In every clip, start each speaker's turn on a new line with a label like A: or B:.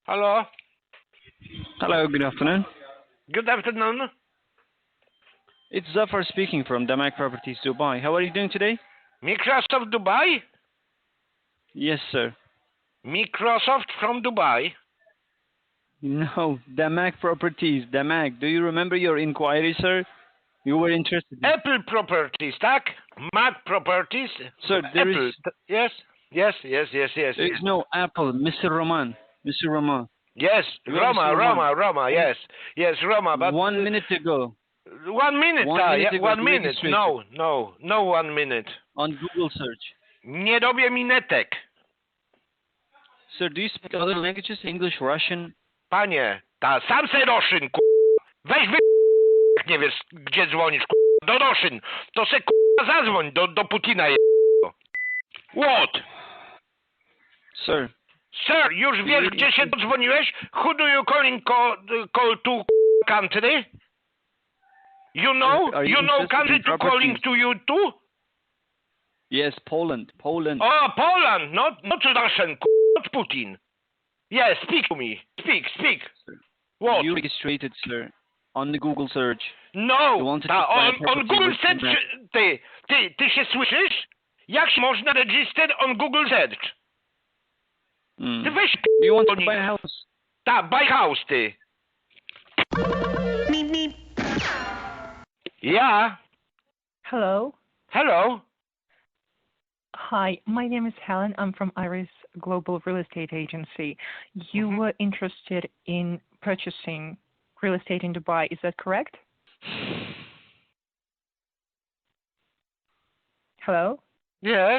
A: Hello.
B: Hello, good afternoon.
A: Good afternoon.
B: It's Zafar speaking from Damak Properties Dubai. How are you doing today?
A: Microsoft Dubai?
B: Yes, sir.
A: Microsoft from Dubai?
B: No, Damak Properties, Damak. Do you remember your inquiry, sir? You were interested in...
A: Apple Properties, tak? Mac Properties?
B: Sir, there is...
A: Apple. Yes? Yes.
B: There is no Apple, Mr. Roman. Mr. Roman.
A: Yes,
B: You are Mr. Roman.
A: Roma, yes. Yes, Roma, but...
B: 1 minute ago.
A: 1 minute,
B: 1 minute ago,
A: 1
B: you
A: minute.
B: registered.
A: No 1 minute.
B: On Google search.
A: Nie robię minetek.
B: Sir, do you speak other languages? English, Russian?
A: Panie, sam se Roszyn, Weź jak nie wiesz, gdzie dzwonisz, do Roszyn. To se zadzwoń do Putina What?
B: Sir.
A: Sir, już wiesz, gdzie się dodzwoniłeś? Who do you call to country? You know country to calling to you too?
B: Yes, Poland.
A: Oh, Poland, not Russian, not Putin. Yes, speak to me. Speak. What?
B: You registered, sir, on the Google search.
A: No,
B: on
A: Google Search, ty się słyszysz? Jak można register on Google Search? Ty weź
B: Do you want to buy a house?
A: buy house, ty. Yeah.
C: Hello.
A: Hello.
C: Hi, my name is Helen. I'm from Iris Global Real Estate Agency. You were interested in purchasing real estate in Dubai, is that correct? Hello?
A: Yes.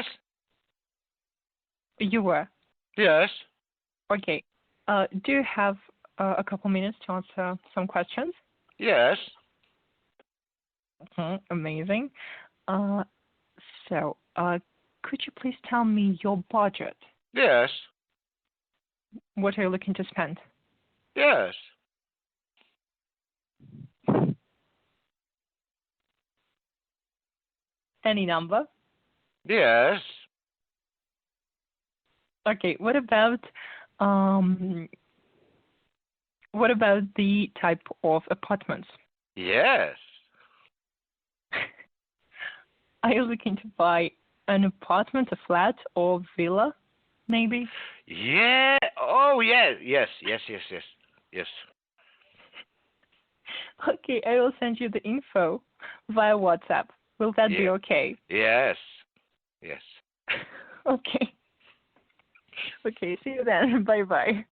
C: You were?
A: Yes.
C: Okay. Do you have a couple minutes to answer some questions?
A: Yes.
C: Amazing. Could you please tell me your budget?
A: Yes.
C: What are you looking to spend?
A: Yes.
C: Any number?
A: Yes.
C: Okay, what about the type of apartments?
A: Yes.
C: Are you looking to buy an apartment, a flat, or villa, maybe?
A: Yeah. Oh, yeah. Yes.
C: Okay, I will send you the info via WhatsApp. Will that be okay?
A: Yes.
C: Okay. Okay, see you then. Bye-bye.